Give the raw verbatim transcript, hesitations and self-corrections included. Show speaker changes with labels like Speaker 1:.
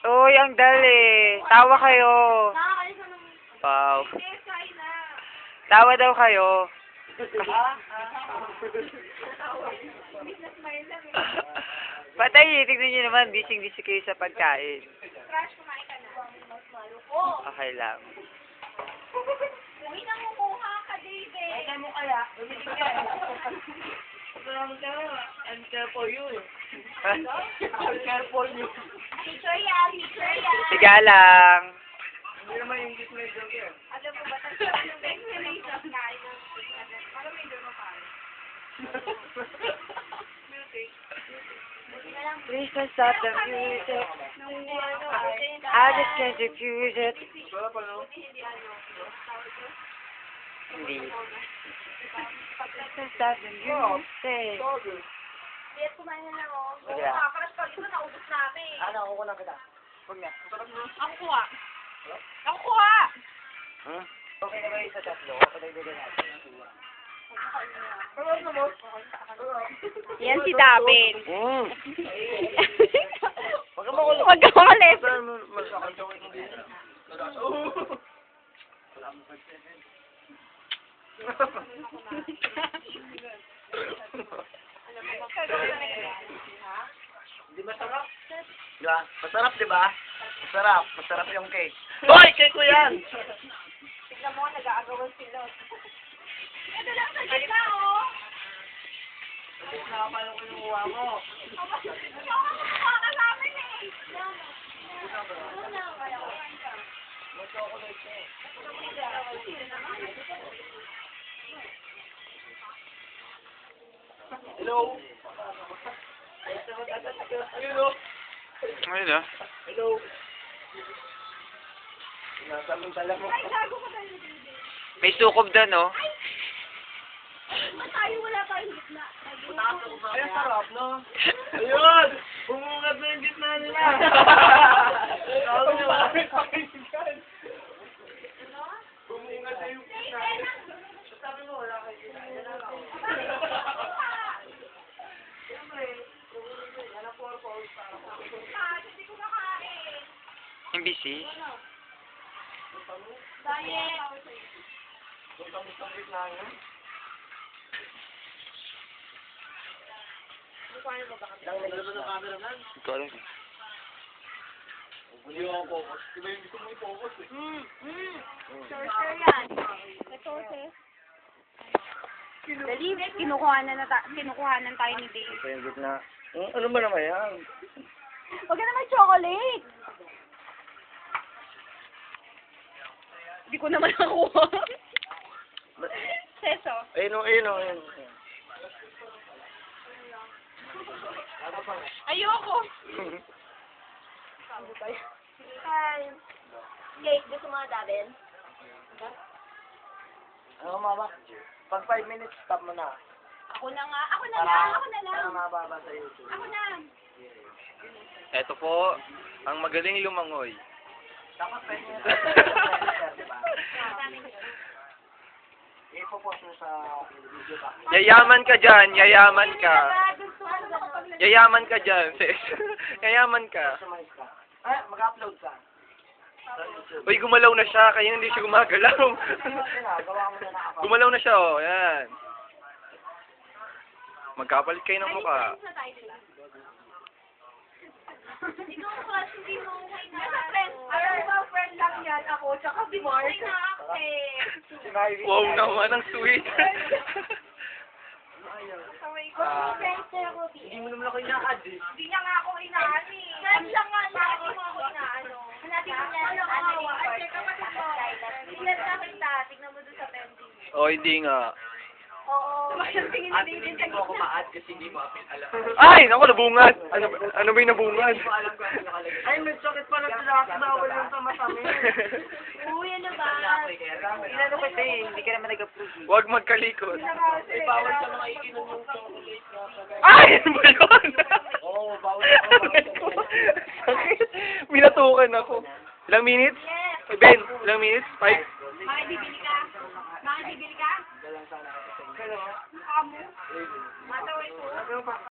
Speaker 1: Uy, ang dali. Tawa kayo.
Speaker 2: Nakakalis ng...
Speaker 1: Wow.
Speaker 2: Eh, kain na.
Speaker 1: Tawa daw kayo.
Speaker 2: Smile lang eh.
Speaker 1: Patay, tignan nyo naman. Bising-bising kayo sa pagkain.
Speaker 2: Crush, kumain ka na. Mas malo ko.
Speaker 1: Okay lang.
Speaker 2: Uy, nangunguha ka, David. Ay, mo kaya. Bumili ka. Salamat ka. I'm care for you. I'm care for you. Picture yan, picture yan.
Speaker 1: Siga lang.
Speaker 3: Hindi naman yung gift na joke yan.
Speaker 2: Alam mo ba, tapos yung explanation, kain ng para may doon pa. Music.
Speaker 1: Please don't stop the music.
Speaker 2: Nangunguha ano,
Speaker 1: I just can't refuse it.
Speaker 3: Wala pa, no?
Speaker 1: Hindi. Please don't stop the music.
Speaker 2: Yes, kumain na lang ako. Oo,
Speaker 1: Sige.
Speaker 2: nakakaras pa. Ito, naubos namin.
Speaker 3: Ano, ako ko na kita. Huwag na.
Speaker 2: Ako kuha. Ako kuha!
Speaker 1: Hmm?
Speaker 3: Okay na ba yung sa tatlo? Ako na ibigay natin. Ano mo?
Speaker 2: Yan si David.
Speaker 1: Mm.
Speaker 3: Huwag ka makulit.
Speaker 2: Huwag ka makulit.
Speaker 3: Masakal-joke mo din. Di masarap? Di ba? Masarap, di ba? Masarap. Masarap yung cake. Hoy! Cake ko yan!
Speaker 2: Tignan mo, nag-aagawan sila. Ito lang sa gitna, oh.
Speaker 3: Nakapalo ko yung uwa mo.
Speaker 2: Kuha ka namin eh.
Speaker 3: Mag-chocolate eh. Hello? Hello?
Speaker 1: Ayun ah.
Speaker 3: Hello? Nasamantala mo.
Speaker 2: Ay, gago ka tayo.
Speaker 1: May sukob doon, no?
Speaker 2: Ba't tayo wala tayong gitna?
Speaker 3: Ay, ang sarap, no? Ayun! Bumungad na yung gitna nila! Bumungad na yung gitna nila. Sabi mo, wala kayo gitna. Yan lang ako. Siyempre, yan ang purpose para sa akin.
Speaker 2: Ah, hindi ko makain.
Speaker 1: Imbisi.
Speaker 2: Diet.
Speaker 3: Butang-butang ang gitna niya. Lang nila ba ng cameraman?
Speaker 1: Ito alam.
Speaker 3: Hindi ako focus. Diba yung gusto mo i-focus eh?
Speaker 2: Mm, mm. Sorcerer yan. May sources. Dali, kinukuha na na ta- kinukuhanan tayo ni Dave.
Speaker 3: Ito yung gitna. Hmm, ano ba naman yan?
Speaker 2: Huwag ka naman chocolate. Hindi ko naman nakuha. Seso.
Speaker 3: Ayun o, ayun o, ayun o.
Speaker 2: Ayoko. Hi. Cake, gusto mo na David?
Speaker 3: Ano mama? Pag five minutes, stop mo na.
Speaker 2: Ako na nga. Ako na lang. Ako na lang.
Speaker 3: Para mababa sa YouTube.
Speaker 2: Ako na.
Speaker 1: Ito po, ang magaling lumangoy.
Speaker 3: Dapat five minutes. Diba? I-focus mo sa video ba?
Speaker 1: Yayaman ka dyan, yayaman ka.
Speaker 2: Gusto ko na lang.
Speaker 1: Yayaman ka dyan, sis. Yayaman ka.
Speaker 3: Customize ka. Ay, mag-upload ka. Sa YouTube.
Speaker 1: Uy, gumalaw na siya, kaya hindi siya gumagalaw.
Speaker 3: Ayun na, gawa mo na na ako.
Speaker 1: Gumalaw na siya, oh. Yan. Magkapalit kayo ng mukha.
Speaker 2: Friends na tayo sila. Ikaw class, hindi mo okay na. Nasa friend. Alam mo, friend lang yan. Ako, tsaka si Mark. Okay na ako eh.
Speaker 3: Sinayri.
Speaker 1: Wow naman, ang sweet.
Speaker 2: Sorry ko. Friends na ako, B.
Speaker 3: Hindi mo naman ako ina-add eh.
Speaker 2: Hindi niya nga ako inaano eh. Friends lang nga niya. Hindi mo ako inaano. Hanapin mo niya. Ano ka hawa? Ay, check kapatid mo. Tignan sa kita. Tignan mo doon sa pending.
Speaker 1: Oh, hindi nga.
Speaker 2: Oo. Tingin ni
Speaker 3: At
Speaker 2: David
Speaker 3: hindi
Speaker 2: sa
Speaker 3: mo ako
Speaker 2: gitna.
Speaker 3: ma-add kasi hindi mo apin alam.
Speaker 1: Ay, naku, nabungad. Ano, ano ba yung nabungad?
Speaker 3: Hindi mo alam kung ano nakalagay. Ay, may sakit pala sila. Bawal yung sa matamin.
Speaker 2: Uy, ano ba?
Speaker 3: Inano ko eh, hindi ka naman nag-approve.
Speaker 1: Huwag magkalikot.
Speaker 3: Eh, bawal sa mga ikinom yung chocolate.
Speaker 1: Ay, ano ba yun?
Speaker 3: Oo, bawal sa mga
Speaker 1: Sakit. Minatukan ako. Ilang minutes?
Speaker 2: Yes.
Speaker 1: Ben, ilang minutes? Five?
Speaker 2: Makibibili ka? Makibibili ka?
Speaker 3: Dalang sana ako sa inyo.
Speaker 2: Mukha mo. Mataway ko.